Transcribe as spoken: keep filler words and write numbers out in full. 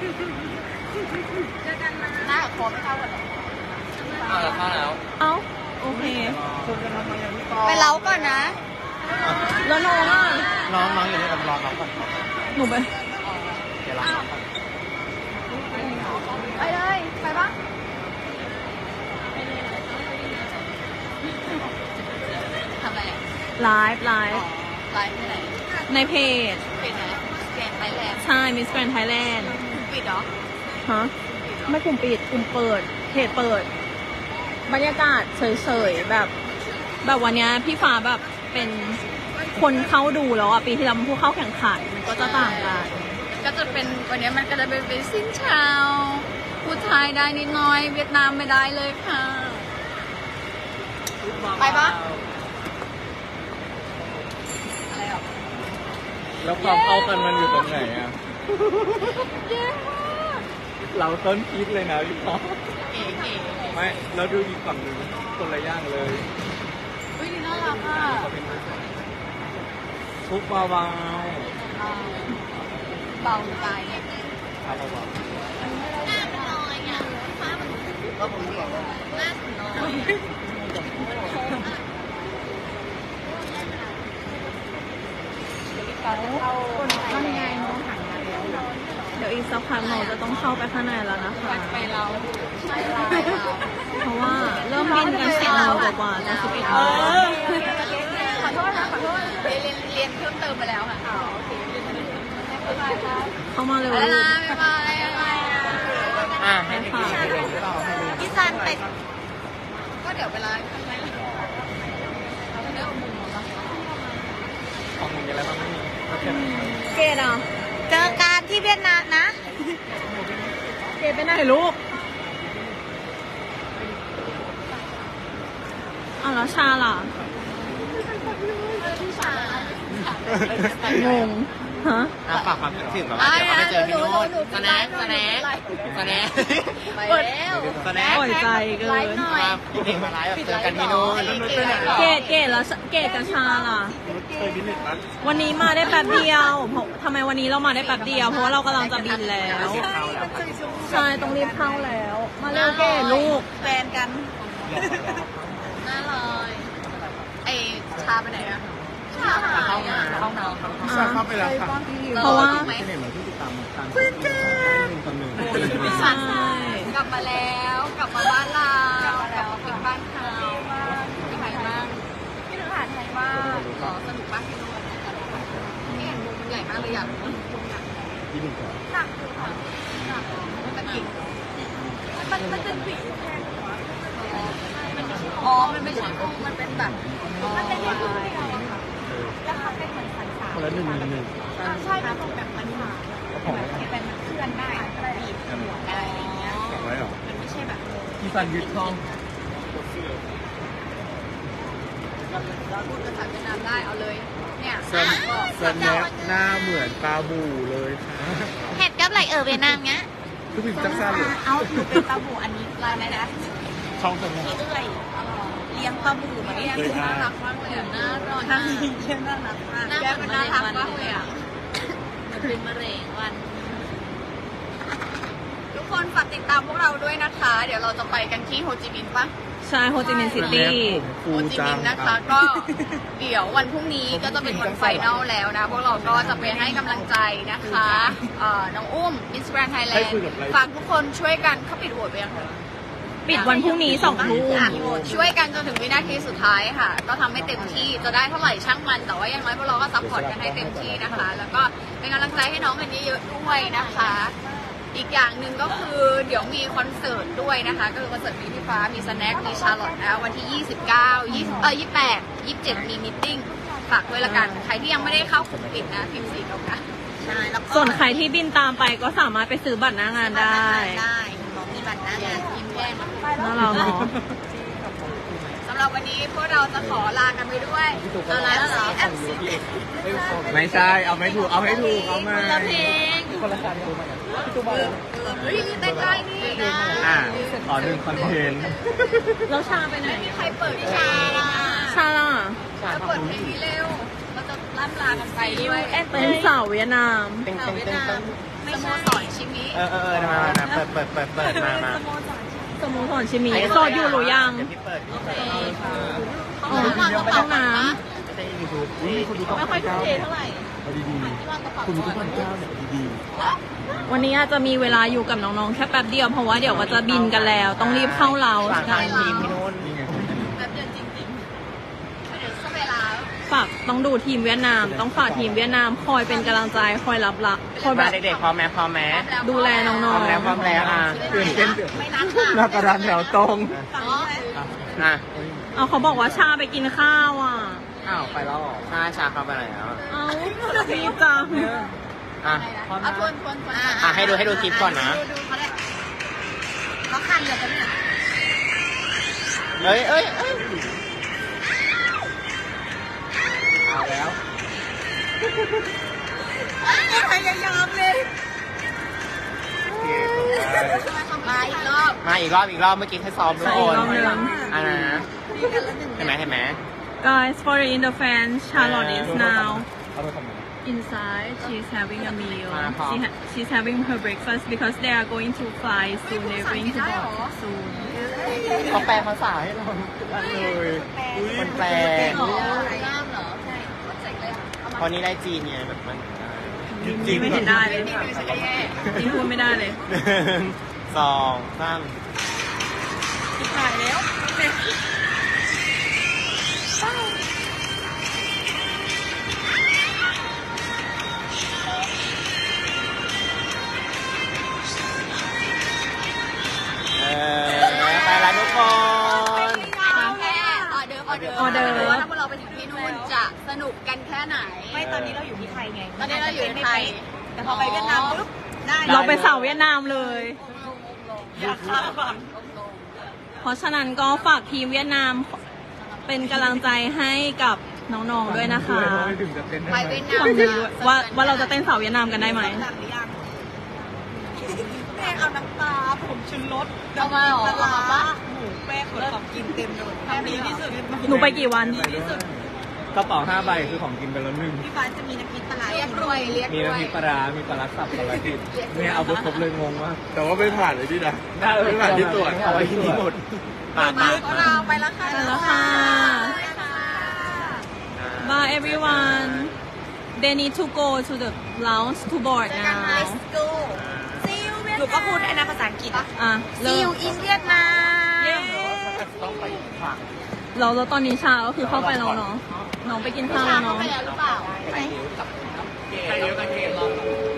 เจอกันนะหน้ากับคอไม่เท่ากันหรอเอาแล้วเข้าแล้วเอ้าโอเคไปเล้าก่อนนะแล้วน้องอ่ะน้องน้องอยู่นี่กับรอน้องก่อนหนูไปเดี๋ยวรอน้องก่อนไปเลยไปปะทำอะไรไลฟ์ไลฟ์ไลฟ์ที่ไหนในเพจเพจไหนแกนไทยแลนด์ใช่มิสแกรนด์ไทยแลนด์ปิดเหรอฮะไม่กลุ่มปิดกลุ่มเปิดเพจเปิดบรรยากาศเฉยๆแบบแบบวันนี้พี่ฟ้าแบบเป็นคนเข้าดูแล้วอ่ะปีที่แล้วมันผู้เข้าแข่งขันมันก็จะต่างกันก็จะเป็นวันนี้มันก็จะเป็นเป็นสิ้นชาวพูดไทยได้นิดหน่อยเวียดนามไม่ได้เลยค่ะไปปะอะไรหรอแล้วความเข้ากันมันอยู่ตรงไหนอ่ะเราต้นคิดเลยนะพี่พ่อไม่เราดูอีกฝั่งหนึ่งคนละย่างเลยเฮ้ยน่ารักอ่ะทุกเบาเบาเบาใจเนี่ยเบาเบาหน้ามันน้อยอ่ะฟ้ามันก็ผมบอกว่าหน้ามันน้อยคนข้างในน้องหันมาแล้วเดี๋ยวอีกสักพักเราจะต้องเข้าไปข้างในแล้วนะคะไปเราเพราะว่าเริ่มบินกันสิบโมงกว่าจะสิบเอ็ดโมงขอโทษนะขอโทษเรียนเรียนเพิ่มเติมไปแล้วค่ะเข้ามาเร็วอะไรนะไม่มาอะไรอะไรอ่ะให้พี่พี่ซันไปก็เดี๋ยวเวลาข้างในเรื่องมุมของมึงอะไรบ้างไม่มีเกดอ่ะเจอกันที่เวียดนามนะเกดไปไหนลูกอ้าวแล้วชาล่ะงงฮะฝากความคิดถึงแบบว่าเดี๋ยวเขาไปเจอพี่โน้ตสแน็คสแน็คสแน็คไปแล้วสแน็คปล่อยใจเกินพี่เด็กมาไลฟ์แบบเจอกันพี่โน้ตเกดเกดแล้วเกดกับชาล่ะวันนี้มาได้แป๊บเดียวทำไมวันนี้เรามาได้แป๊บเดียวเพราะว่าเรากำลังจะบินแล้วใช่ต้องรีบเข้าแล้วมาเร็วเกดลูกแฟนกันน่าเลยไอชาไปไหนอะชาเข้ามาเข้ามาเข้าไปแล้วค่ะเพราะว่าเพื่อนกันคนหนึ่งใช่กลับมาแล้วกลับมาบ้านเรากลับมาเป็นบ้านเขาเป็นไงบ้างพี่ถึงหาไทยบ้างสนุกมากที่นู่นนี่มุมมันใหญ่มากเลยอยากรู้ที่หนึ่งก่อนหนักคือค่ะหนักมันเป็นกิ่งมันมันเป็นกิ่งอ๋อมันไม่ใช่มันเป็นแบบมันเป็นแค่ตัวเดียวอะค่ะแล้วเขาเป็นเหมือนสันสานคนละหนึ่งหนึ่งใช่เป็นแบบมันหนาแบบที่เป็นมันเคลื่อนได้บีบหัวอะไรอย่างเงี้ยมันไม่ใช่แบบที่ฟันยึดท้องเราพูดภาษาเวียดนามได้เอาเลยเนี่ยเซนแนบหน้าเหมือนปลาบูเลยค่ะเห็ดกับอะไรเออเวียดนามเงี้ยคือผิดจักซ่าเลยเอาอยู่เป็นปลาบูอันนี้ลายไหนนะช่องเซนแนบเอื้อยเลี้ยงปลาบูมาเลี้ยงน่ารักมากเลยน่ารักมากเลี้ยงน่ารักมากแกเป็นน่ารักมากเลยอ่ะมันเป็นมะเร็งวันทุกคนฝากติดตามพวกเราด้วยนะคะเดี๋ยวเราจะไปกันที่โฮจิมินห์ปะใช่โฮจิมินห์ซิตี้โฮจิมินห์นะคะก็เดี๋ยววันพรุ่งนี้ก็จะเป็นวันไฟนอลแล้วนะพวกเราก็จะไปให้กำลังใจนะคะน้องอุ้ม Instagram Thailand ฝากทุกคนช่วยกันเข้าปิดโหวตไปยังคะปิดวันพรุ่งนี้สองทุ่มช่วยกันจนถึงวินาทีสุดท้ายค่ะก็ทำให้เต็มที่จะได้เท่าไหร่ช่างมันแต่ว่าอย่างน้อยพวกเราก็ซัพพอร์ตกันให้เต็มที่นะคะแล้วก็เป็นกำลังใจให้น้องกันเยอะๆด้วยนะคะอีกอย่างหนึ่งก็คือเดี๋ยวมีคอนเสิร์ตด้วยนะคะก็คือคอนเสิร์ตมีพี่ฟ้ามีสแน็คมีชาร์ลอตแล้ววันที่ยี่สิบเก้า ยี่สิบเออยี่สิบแปด ยี่สิบเจ็ดมีมีตติ้งฝากด้วยละกันใครที่ยังไม่ได้เข้ากลุ่มปิดนะพิมพ์สี่เก้าเก้าใช่แล้วส่วนใครที่บินตามไปก็สามารถไปซื้อบัตรหน้างานได้ได้มีบัตรหน้างานยิ้มแย้มน่ารักเนาะสำหรับวันนี้พวกเราจะขอลากันไปด้วยอะไรแล้วเหรอไม่ใช่เอาไม่ถูกเอาให้ถูกเอามาคนละเพลงคนละการดูมาพี่ตุ๊กเฮ้ยเต้นได้นี่นะอ่าขอหนึ่งคอนเทนต์แล้วชาไปไหนไม่มีใครเปิดชาล่ะชาล่ะจะเปิดเพลงนี้เร็วเราจะล่ำลากันไปด้วยเป็นสาวเวียดนามสาวเวียดนามสโมสรชิมิเออเออเออมามามาเปิดเปิดเปิดเปิดมามาสโมสรชิมิโสดอยู่หรือยังเดี๋ยวพี่เปิดพี่เปิดอ๋อห้องน้ไม่ใช่ยูทูบนี่คุณดูำไม่ค่อยทุ่มเทเท่าไหร่เอาดีๆคุณดูทุกวันเจ้าเนี่ยดีวันนี้อาจจะมีเวลาอยู่กับน้องๆแค่แป๊บเดียวเพราะว่าเดี๋ยวก็จะบินกันแล้ว ต้องรีบเข้าเราๆฝากทางทีมพี่นุ่นนี่ไงแบบเดือนจริงๆเดี๋ยวเวลาฝากต้องดูทีมเวียดนาม ต้องฝากทีมเวียดนามคอยเป็นกำลังใจคอยรับละคอยแบมาบเด็กๆพร้อมไหมพร้อมไหมดูแลน้พอร้อง มแล้วพร้อมแล้วอ่ะตื่นเต้นเดือดไม่นัดค่ะหน้ากระดานแถวตรงอ๋ออ่ะๆเอาเขาบอกว่าชาไปกินข้าวอ่ะอ้าวไปแล้วเหรอชาชาเข้าไปไหนแล้วเอาดีจังอ่ะเอาทวนทวนทวนอ่ะให้ดูให้ดูคลิปก่อนนะดูดูเขาได้เขาคันเหลือกันเนี่ยเอ้ยเอ้ยเอ้ยเอาแล้วพยายามเลยโอเคจบไปมาอีกรอบมาอีกรอบอีกรอบเมื่อกี้ให้ซ้อมทุกคนอีกรอบหนึ่งอ่ะนะเห็นไหมเห็นไหม Guys for the in the fans Charlotte is now เอาไปทำไม inside she's having a meal มาพร้อม she ha- she's having her breakfast because they are going to fly soon they're going to board soon เขาแปลภาษาให้เราทุกอันเลยคนแปลอ๋อกล้ามเหรอใช่ก็เจ๋งเลยเอามาเพราะนี้ได้จีนไงแบบมันนี่ไม่เห็นได้เลยนี่ดูฉันก็แย่นี่พูดไม่ได้เลยหนึ่งสองสามถ่ายแล้วเออไปแล้วทุกคนแค่ออเดอร์ออเดอร์ออเดอร์ว่าถ้าพวกเราไปถึงที่นู่นจะสนุกกันแค่ไหนไม่ตอนนี้เราอยู่ที่ไทยไงตอนนี้เราอยู่ในไทยแต่พอไปเวียดนามปุ๊บได้เราไปนสาวเวียดนามเลยอยากข้ามก่อนเพราะฉะนั้นก็ฝากทีมเวียดนามเป็นกำลังใจให้กับน้องๆด้วยนะคะไม่ถึงจะเต้นไปได้ไหมเวียดนามฟังดูด้วยว่าว่าเราจะเต้นสาวเวียดนามกันได้ไหมหลังหรือยังแม่เอาน้ำปลาผมชุนรสเอามาเหรอปลาเอามาปะหมูแป้งคนของกินเต็มเลยทำดีที่สุดหนูไปกี่วันไปด้วยกระเป๋าห้าใบคือของกินไปแล้วหนึ่งพี่ฟ้าจะมีน้ำพริกปลาร้าเรียกรวยเรียกมีรวน้ำยพริกปลาร้ามีปลาร้าสับปลาร้าดิบเนี่ยเอาไปครบเลยงงมากแต่ว่าไม่ผ่านเลยที่นะไม่ผ่านที่ตรวจเอาไว้ที่นี่หมดปาดปาดของเราไปแล้วค่ะไปแล้วค่ะ Bye everyone they need to go to the lounge to board now Let's go See you หนูก็พูดได้นะภาษาอังกฤษอ่ะอ่ะ See เริ่ you ม in Vietnam เย้ต้องไปฝั่งเราแล้วตอนนี้ชาก็คือเข้าไปแล้วเนาะน้องไปกินข้าวแล้วเข้าเนาะไปแล้วหรือเปล่าไปเยอะกับเกมไปเยอะกับเกมรอ